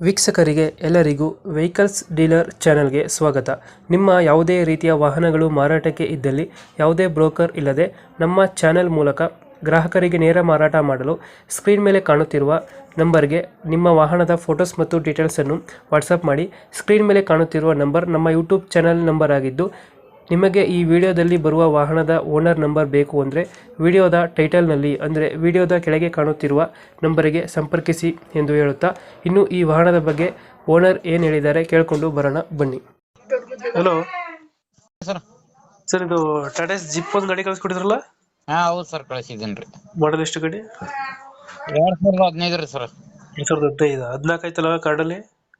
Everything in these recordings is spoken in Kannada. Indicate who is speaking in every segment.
Speaker 1: ವೀಕ್ಷಕರಿಗೆ ಎಲ್ಲರಿಗೂ ವೆಹಿಕಲ್ಸ್ ಡೀಲರ್ ಚಾನೆಲ್ಗೆ ಸ್ವಾಗತ. ನಿಮ್ಮ ಯಾವುದೇ ರೀತಿಯ ವಾಹನಗಳು ಮಾರಾಟಕ್ಕೆ ಇದ್ದಲ್ಲಿ ಯಾವುದೇ ಬ್ರೋಕರ್ ಇಲ್ಲದೆ ನಮ್ಮ ಚಾನೆಲ್ ಮೂಲಕ ಗ್ರಾಹಕರಿಗೆ ನೇರ ಮಾರಾಟ ಮಾಡಲು ಸ್ಕ್ರೀನ್ ಮೇಲೆ ಕಾಣುತ್ತಿರುವ ನಂಬರ್ಗೆ ನಿಮ್ಮ ವಾಹನದ ಫೋಟೋಸ್ ಮತ್ತು ಡೀಟೇಲ್ಸನ್ನು ವಾಟ್ಸಪ್ ಮಾಡಿ. ಸ್ಕ್ರೀನ್ ಮೇಲೆ ಕಾಣುತ್ತಿರುವ ನಂಬರ್ ನಮ್ಮ ಯೂಟ್ಯೂಬ್ ಚಾನೆಲ್ ನಂಬರ್ ಆಗಿದ್ದು, ನಿಮಗೆ ಈ ವಿಡಿಯೋದಲ್ಲಿ ಬರುವ ವಾಹನದ ಓನರ್ ನಂಬರ್ ಬೇಕು ಅಂದರೆ ವಿಡಿಯೋದ ಟೈಟಲ್ನಲ್ಲಿ ಅಂದರೆ ವಿಡಿಯೋದ ಕೆಳಗೆ ಕಾಣುತ್ತಿರುವ ನಂಬರಿಗೆ ಸಂಪರ್ಕಿಸಿ ಎಂದು ಹೇಳುತ್ತಾ, ಇನ್ನು ಈ ವಾಹನದ ಬಗ್ಗೆ ಓನರ್ ಏನು ಹೇಳಿದ್ದಾರೆ ಕೇಳಿಕೊಂಡು ಬರೋಣ ಬನ್ನಿ. Hello
Speaker 2: sir.
Speaker 1: ಸರ್, ಇದು ಟಾಟಾ ಜಿಪ್ ಒಂದು ಗಾಡಿ ಕಳಿಸ್ಕೊಟ್ಟಿದ್ರಲ್ಲ,
Speaker 2: ಹಾ ಹೌದು ಸರ್, ಕಳಿಸಿದ್ದೇನ್ರಿ.
Speaker 1: ಮಾಡಲ್ ಎಷ್ಟು ಗಾಡಿ?
Speaker 2: 2015 ರೀ ಸರ್.
Speaker 1: 2015 14 ಆಯ್ತಲ್ಲ ಕಾರ್ಡಲ್ಲಿ?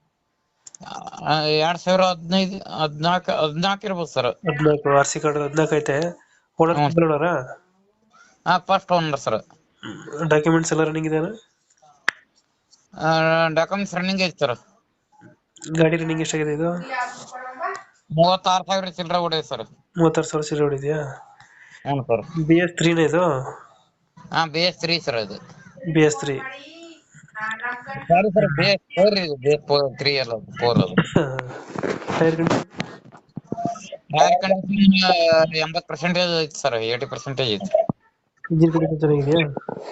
Speaker 2: 2015 14 ಇರ್ಬೋದು ಸರ್.
Speaker 1: 14 ಆರ್ ಸಿ ಕಾರ್ಡ್ 14 ಐತೆ. ಓನರ್
Speaker 2: ಹಾ, ಫಸ್ಟ್ ಓನರ್ ಸರ್.
Speaker 1: ಡಾಕ್ಯುಮೆಂಟ್ಸ್ ಎಲ್ಲ ರನ್ನಿಂಗ್ ಇದೆಯಾ?
Speaker 2: ಡಾಕ್ಯುಮೆಂಟ್ಸ್ ರನ್ನಿಂಗ್ ಐತಿ ಸರ್.
Speaker 1: ಗಾಡಿ ರನ್ನಿಂಗ್ ಎಷ್ಟಾಗಿದೆ ಇದು?
Speaker 2: 36,000 ಚಿಲ್ಲರೆ ಹೊಡೆಯ ಸರ್.
Speaker 1: 36,000 ಸೀರೆ ಹೊಡಿದ್ಯಾ?
Speaker 2: ಹ್ಞೂ ಸರ್.
Speaker 1: BS3 ಇದು?
Speaker 2: ಹಾ, BS3 ಸರ್. ಅದು
Speaker 1: BS3
Speaker 2: ಸಾರಿ ಸರ್, BS4 ಇದು. BS3 ಅಲ್ಲ, 4 ಅದು.
Speaker 1: Tyre condition?
Speaker 2: ಟೈರ್ ಕಂಡೀಷನ್ 80% ಐತಿ ಸರ್, 80% ಐತಿ.
Speaker 1: ಇಂಜಿನ್ ಕಂಡೀಷನ್ ಚೆನ್ನಾಗಿದೆಯಾ?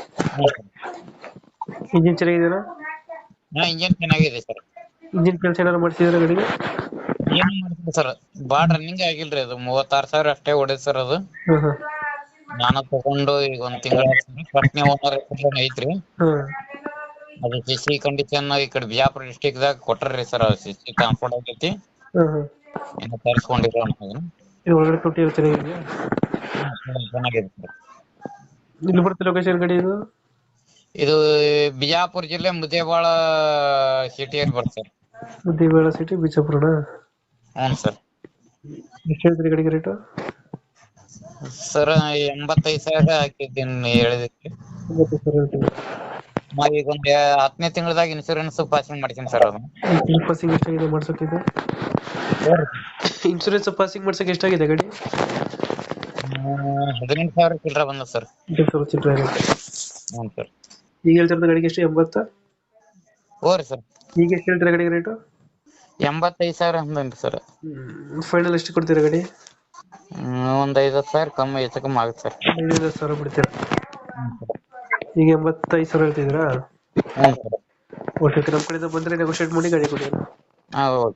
Speaker 1: ಇಂಜಿನ್ ಚೆನ್ನಾಗಿದೆಯಾ?
Speaker 2: ಹಾ, ಇಂಜಿನ್ ಚೆನ್ನಾಗಿದೆ ಸರ್.
Speaker 1: ಇಂಜಿನ್ ಕೆಲಸ ಏನಾದ್ರು ಮಾಡ್ತಿದ್ದೀರಾ ಗಾಡಿಗೆ?
Speaker 2: ಏನು ಮಾಡ್ತೀವಿ ಸರ್, ಬಾಳ ರನ್ನಿಂಗ್ ಆಗಿಲ್ರಿ. ಅದು 36,000 ಅಷ್ಟೇ ಹೊಡೆದ್ ಸರ್. ಅದು ನಾನು ತಗೊಂಡು ಈಗ 1 ತಿಂಗಳ ಫಸ್ಟ್ನೇ ಓನರ್ ಐತ್ರಿ. ಅದು ಸಿಸಿ ಕಂಡೀಷನ್ ಈ ಕಡೆ ಬಿಜಾಪುರ ಡಿಸ್ಟಿಕ್ ದಾಗ ಕೊಟ್ಟಾರ್ರಿ ಸರ್. ಸಿಸಿ ಟ್ರಾನ್ಸ್ಪೋರ್ಟ್ ಆಗೈತಿ, ಇನ್ನು ತರಿಸ್ಕೊಂಡಿರೋ
Speaker 1: ಒಳಗಡೆ ತೊಟ್ಟಿ ಚೆನ್ನಾಗಿದೆಯಾ?
Speaker 2: ಚೆನ್ನಾಗಿದೆ ಸರ್.
Speaker 1: ಇಲ್ಲಿ ಬರುತ್ತೆ ಲೊಕೇಶನ್ ಗಾಡಿ ಇದು?
Speaker 2: ಇದು ಬಿಜಾಪುರ ಜಿಲ್ಲೆ ಮುದ್ದೇಬಾಳ ಸಿಟಿಯಲ್ಲಿ ಬರುತ್ತೆ ಸರ್.
Speaker 1: ಮುದ್ದೇಬೇಳ ಸಿಟಿ, ಬಿಜಾಪುರನ?
Speaker 2: ಹ್ಞೂ ಸರ್.
Speaker 1: ಎಷ್ಟು ಹೇಳ್ತೀರಿ ಗಾಡಿಗೆ ರೇಟು?
Speaker 2: ಸರ್ 85,000 ಹಾಕಿದ್ದೀನಿ ಹೇಳಿದಕ್ಕೆ.
Speaker 1: 85,000 ಹೇಳ್ತೀವಿ.
Speaker 2: ಈಗ ಒಂದು 10ನೇ ತಿಂಗಳದಾಗ ಇನ್ಶೂರೆನ್ಸ್ ಪಾಸಿಂಗ್ ಮಾಡ್ತೀನಿ ಸರ್. ಅದು
Speaker 1: ಪಾಸಿಂಗ್ ಎಷ್ಟಾಗಿದೆ ಮಾಡ್ಸೋಕ್ಕಿದೆ? ಇನ್ಶೂರೆನ್ಸ್ ಪಾಸಿಂಗ್ ಮಾಡ್ಸೋಕೆ ಎಷ್ಟಾಗಿದೆ ಗಾಡಿ?
Speaker 2: 18,000 ಚಿಲ್ಲರೆ ಬಂದ ಸರ್.
Speaker 1: 18,000 ಚಿಲ್ಲರೆ ಆಗುತ್ತೆ.
Speaker 2: ಹ್ಞೂ ಸರ್.
Speaker 1: ಈಗ ಹೇಳ್ತಿರೋದು ಗಾಡಿಗೆ ಎಷ್ಟು? 80?
Speaker 2: ಹ್ಞೂ ರೀ ಸರ್.
Speaker 1: ಈಗ ಎಷ್ಟು ಹೇಳ್ತೀರಾ ಗಾಡಿಗೆ ರೇಟು?
Speaker 2: 85,000 ಅಂದೇನ್ರಿ ಸರ್.
Speaker 1: ಫೈನಲ್ ಎಷ್ಟು ಕೊಡ್ತೀರಾ ಗಾಡಿ?
Speaker 2: ಒಂದು 50,000 ಕಮ್ಮಿ ಹೆಚ್ಚು ಕಮ್ಮಿ ಆಗುತ್ತೆ ಸರ್.
Speaker 1: 50,000 ಬಿಡ್ತೀರಾ? ಈಗ 85,000 ಹೇಳ್ತಿದ್ದೀರಾ?
Speaker 2: ಹ್ಞೂ ಸರ್.
Speaker 1: ಓಕೆ, ನಮ್ಮ ಕಡೆಯಿಂದ ಬಂದರೆ ನೆಗೋಷಿಯೇಟ್ ಮಾಡಿ ಗಾಡಿ ಕೊಡಿ.
Speaker 2: ಹಾಂ, ಓಕೆ.